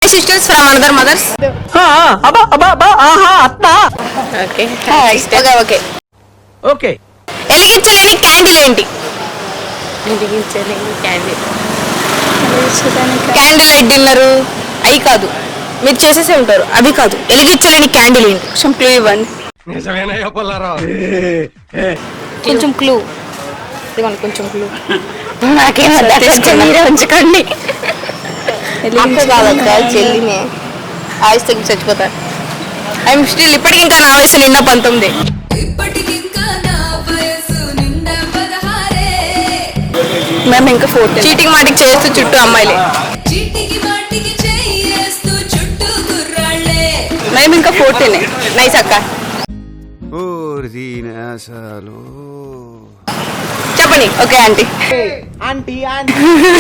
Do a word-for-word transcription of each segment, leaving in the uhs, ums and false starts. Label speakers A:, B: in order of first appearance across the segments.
A: sisters from another mothers.
B: అబ్బా అబ్బా అబ్బా ఆహా అత్త.
A: Okay. Okay, okay.
B: ఓకే.
A: ఎలిగించలేని క్యాండిల్ ఏంటి?
C: వెలిగించలేని క్యాండిల్
A: క్యాండిల్ లైట్ డిన్నర్ అవి కాదు, మీరు చేసేసే ఉంటారు, అవి కాదు. ఎలిగించలేని క్యాండిల్ ఏంటి? కొంచెం క్లూ ఇవ్వండి. కొంచెం క్లూ ఇవ్వండి, కొంచెం క్లూ.
C: నాకేం మీరే ఉంచుకోండి.
A: అక్క కాదక్క, చెల్లినే. ఆయుష్ తగ్గి చచ్చిపోతారు. ఐఎమ్ స్టిల్ ఇప్పటికి ఇంకా నా వయసు నిండా పంతొమ్మిది.
C: మేము ఇంకా ఫోర్టీన్.
A: చీటికి మాటికి చేస్తూ చుట్టూ అమ్మాయిలే.
C: మేము ఇంకా ఫోర్టీన్.
A: నైస్ అక్క. చెప్పండి. Okay aunty.
B: ఆంటీ ఆంటీ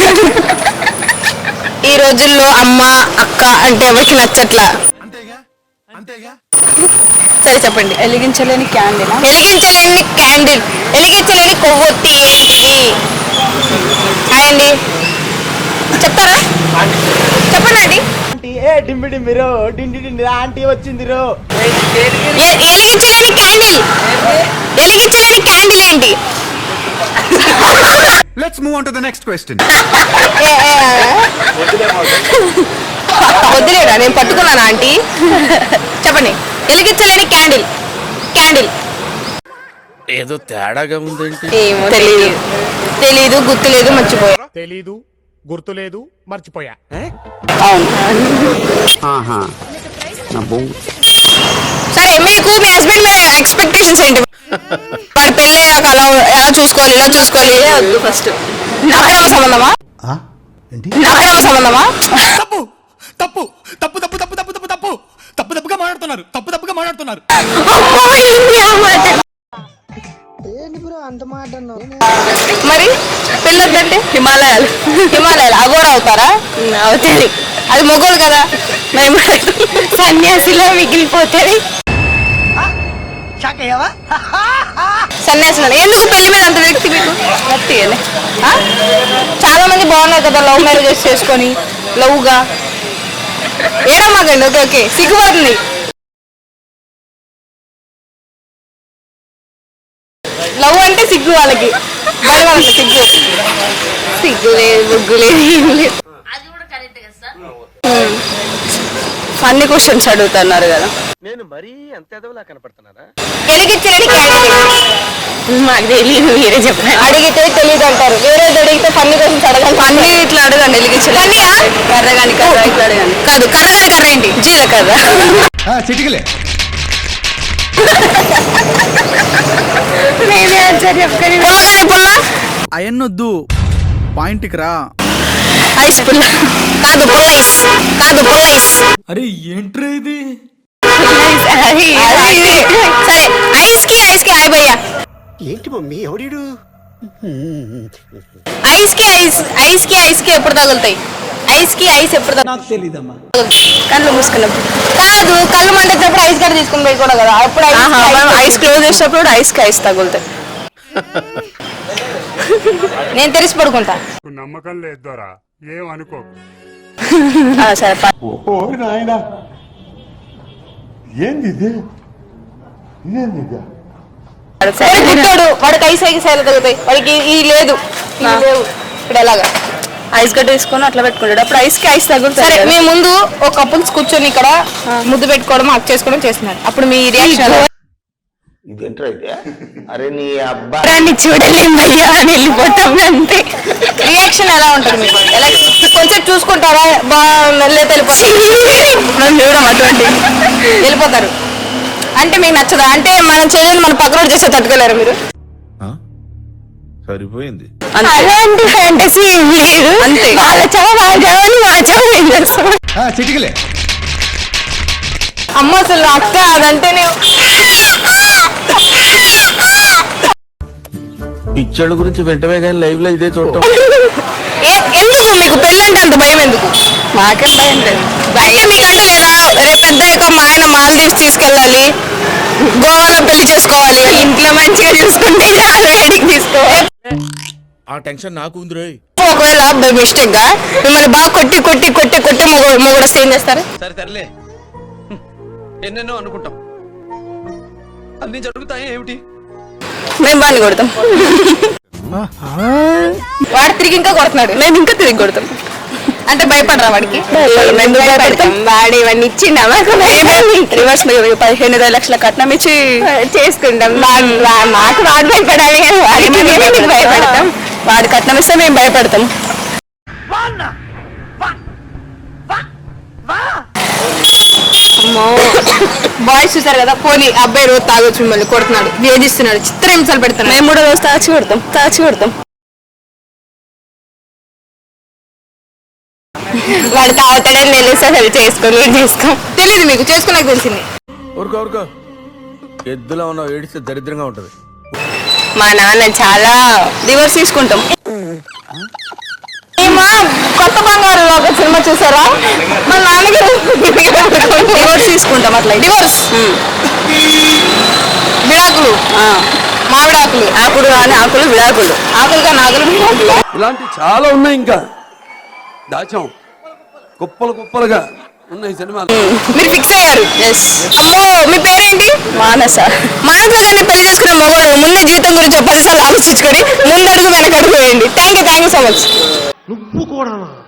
A: ఈ రోజుల్లో అమ్మ అక్క అంటే ఎవరికి నచ్చట్లా. సరే చెప్పండి.
C: వెలిగించలేని క్యాండిల్.
A: వెలిగించలేని క్యాండిల్, వెలిగించలేని కొవ్వొత్తి ఏంటి? హాయ్ అండి, చెప్తారా? చెప్పండి ఆంటీ.
B: ఆంటీ ఏ డింబి డింబిరో డిండి డిండి ఆంటీ వచ్చిందిరో.
A: ఎ- వెలిగించలేని క్యాండిల్, వెలిగించలేని క్యాండిల్ ఏంటి?
D: Let's move on to the next question.
A: ఏ, ఏ, వద్దులేడా, నేను పట్టుకున్నాను ఆంటీ. చెప్పండి. వెలిగించలేని క్యాండిల్, క్యాండిల్
E: ఏదో తేడాగా ఉందేంటి?
A: ఏమో తెలియదు, తెలీదు, గుర్తులేదు, మర్చిపోయా.
F: తెలీదు, గుర్తులేదు, మర్చిపోయా.
A: సరే, మీకు మీ హస్బెండ్ మీద ఎక్స్పెక్టేషన్స్ ఏంటి? వాడు పెళ్ళయ్యాక అలా ఎలా చూసుకోవాలి, ఇలా చూసుకోవాలి. వద్దు ఫస్ట్. అక్రమ సంబంధమా? అక్రమ సంబంధమా?
F: తప్పు తప్పు తప్పు తప్పు తప్పు తప్పు తప్పు తప్పు తప్పు తప్పుగా మాట్లాడుతున్నారు తప్పు తప్పుగా మాట్లాడుతున్నారు
A: మరి పెళ్ళొద్దంటే హిమాలయాలు, హిమాలయాలు అగోరా అవుతారా? అవుతుంది. అది మొగోలు కదా, మేము
C: సన్యాసిలో మిగిలిపోతుంది.
A: సన్యాసులు. ఎందుకు పెళ్లి మీద అంత వ్యక్తి మీకు? వ్యక్తిగానే చాలా మంది బాగున్నారు కదా లవ్ మ్యారేజెస్ చేసుకొని లవ్గా. ఏడమ్మాగండి. ఓకే ఓకే, సిగ్గుపడుతుంది. లవ్ అంటే సిగ్గు వాళ్ళకి, బయట వాళ్ళకి సిగ్గు. సిగ్గు లేదు, బుగ్గు లేదు, ఏం లేదు.
C: ఫన్నీ క్వశ్చన్స్ అడుగుతున్నారు కదా.
E: నేను మరీ అంత ఎదవలా కనపడుతున్నారా?
A: వెలిగించలేని క్యాండిల్
C: మాకు తెలియదు, మీరే చెప్పండి.
A: అడిగితే తెలియదు అంటారు, వేరే అడిగితే ఫన్నీ క్వశ్చన్స్ అడగండి.
C: ఫన్నీ ఇట్లా అడగండి. వెలిగించలేని కర్ర కానీ కర్ర ఇట్లా అడగండి.
A: కాదు, కర్ర కానీ కర్ర ఏంటి?
C: జీలకర్ర.
D: చిటికలే
C: నేనే ఆన్సర్ చెప్తాను.
A: పుల్ల కానీ పుల్ల.
D: అయన్నొద్దు, పాయింట్కి రా.
A: ఐస్ పుల్ల. కాదు పుల్లైస్, కాదు పుల్లైస్.
F: అరే ఏంట్రా ఇది?
A: సరే, ఐస్ కి ఐస్ కి హాయ్ భయ్యా.
D: ఏంటి మమ్మీ ఎవడీడు?
A: ఐస్ కి ఐస్, ఐస్ కి ఐస్ కి ఎప్పుడు తగులుతాయి? ఐస్ కి ఐస్ ఎప్పుడు తగులుతాయి?
C: కళ్ళు మూసుకున్నప్పుడు.
A: కాదు, కళ్ళు మండేటప్పుడు ఐస్ గడ్డ తీసుకుని పోయి కూడా కదా, అప్పుడు ఐస్ కి
C: మనం
A: ఐస్
C: ఐస్ క్లోజ్ చేసినప్పుడు ఐస్ కి ఐస్ తగులుతాయి.
A: నేను తెలిసి పడుకుంటా.
F: నమ్మకం లేదు దొరా, ఏం అనుకో.
C: ఆ, సరే ప-
A: సరే, గుడ్డోడు వాడికి ఐస్ ఐస్ ఎలా తగులుతాయి? వాడికి ఈ లేదు, ఈ లేవు. ఇప్పుడు ఎలాగా?
C: ఐస్ గడ్డ తీసుకొని అట్లా పెట్టుకుంటాడు, అప్పుడు ఐస్ కి ఐస్ తగులుతాయి.
A: సరే, మీ ముందు ఒక కపుల్స్ కూర్చొని ఇక్కడ ముద్దు పెట్టుకోవడం, హక్ చేసుకోవడం చేస్తున్నారు. అప్పుడు మీ రియాక్షన్
C: దాన్ని చూడలేం భయ్యా అని వెళ్ళిపోతాం అంతే.
A: రియాక్షన్ ఎలా ఉంటుంది మీకు? ఎలా కొంచెం చూసుకుంటారా? బాగా తెలిపోతారు,
C: మనం చూడం అటువంటి.
A: వెళ్ళిపోతారు. అంటే మీకు నచ్చదా? అంటే మనం చేయలేదు, మన పక్కన చేస్తే తట్టుకోలేరు మీరు?
E: సరిపోయింది.
C: అలాంటి ఫ్యాంటసీ ఏం లేదు.
A: అంతే.
C: వాళ్ళ చావు వాళ్ళ చావని మా చావు ఏం చేస్తాం.
D: చిటికలే
A: అమ్మ అసలు అక్క అదంటేనే
E: పిచ్చోళ్ళ గురించి వెంటనే కానీ లైవ్ లో ఇదే చూడటం.
A: ఏ- ఎందుకు మీకు పెళ్ళంటే అంత భయం ఎందుకు?
C: మాకేం భయం లేదు.
A: భయం మీకంటూ లేదా? రేపు పెద్దయ్యాక మా ఆయన మాల్దీవ్స్ తీసుకెళ్ళాలి, గోవాలో పెళ్లి చేసుకోవాలి,
C: ఇంట్లో మంచిగా చూసుకుంటే చాలు, వేడికి తీసుకోవాలి.
E: ఆ టెన్షన్ నాకు ఉంది రోయ్.
A: ఒకవేళ అలా బై మిస్టేక్ గా మిమ్మల్ని బాగా కొట్టి కొట్టి కొట్టి కొట్టి మొగ మొగుడు వస్తే ఏం చేస్తారు?
E: సరే సర్లే ఎన్నెన్నో అనుకుంటాం అన్ని జరుగుతాయి ఏమిటి?
A: మేము బాగా కొడతాం. వాడు తిరిగి ఇంకా కొడుతున్నాడు, మేము ఇంకా తిరిగి కొడతాం. అంటే భయపడరా వాడికి? భయపడతాం. వాడు ఇవన్నీ ఇచ్చిండా రివర్స్ పదిహేను ఇరవై లక్షల కట్నం ఇచ్చి చేసుకుంటాం. మాకు వాడు భయపడాలి కానీ వాడి భయపడతాం. వాడు కట్నం ఇస్తే మేము భయపడతాం. బాయ్స్ చూసారు కదా, పోనీ అబ్బాయి రోజు తాగొచ్చు మిమ్మల్ని కొడుతున్నాడు, వేధిస్తున్నాడు, చిత్ర హింసలు పెడతాను. మేము కూడా రోజు తాచి కొడతాం తాచి కొడతాం. వాడు తాగుతాడని తెలిస్తే అసలు చేసుకొని చేసుకోం. తెలీదు మీకు, చేసుకున్నాక తెలిసింది.
E: ఊరుకో ఊరుకో ఎద్దులో ఉన్న ఏడిస్తే దరిద్రంగా ఉంటది.
A: మా నాన్న చాలా డివోర్స్ తీసుకుంటాం. ఏమా కొత్త బంగారు ఒక సినిమా చూసారా? మా నాన్నగారు డివోర్స్ తీసుకుంటాం. అట్లా డివోర్స్ విడాకులు, మామిడాకులు, ఆకులు కానీ ఆకులు విడాకులు, ఆకులు కానీ ఆకులు విడాకులు.
E: ఇలాంటి చాలా ఉన్నాయి, ఇంకా దాచాం కుప్పలు కుప్పలుగా ఉన్నాయి సినిమాలు.
A: మీరు ఫిక్స్ అయ్యారు. అమ్మో మీ పేరేంటి? మానస. మానస గారిని పెళ్లి చేసుకునే మగవాళ్ళు ముందే జీవితం గురించి పదిసార్లు ఆలోచించుకొని ముందడుగు వెనకడుగు వేయండి. Thank you thank you so much.
G: నువ్వు కూడా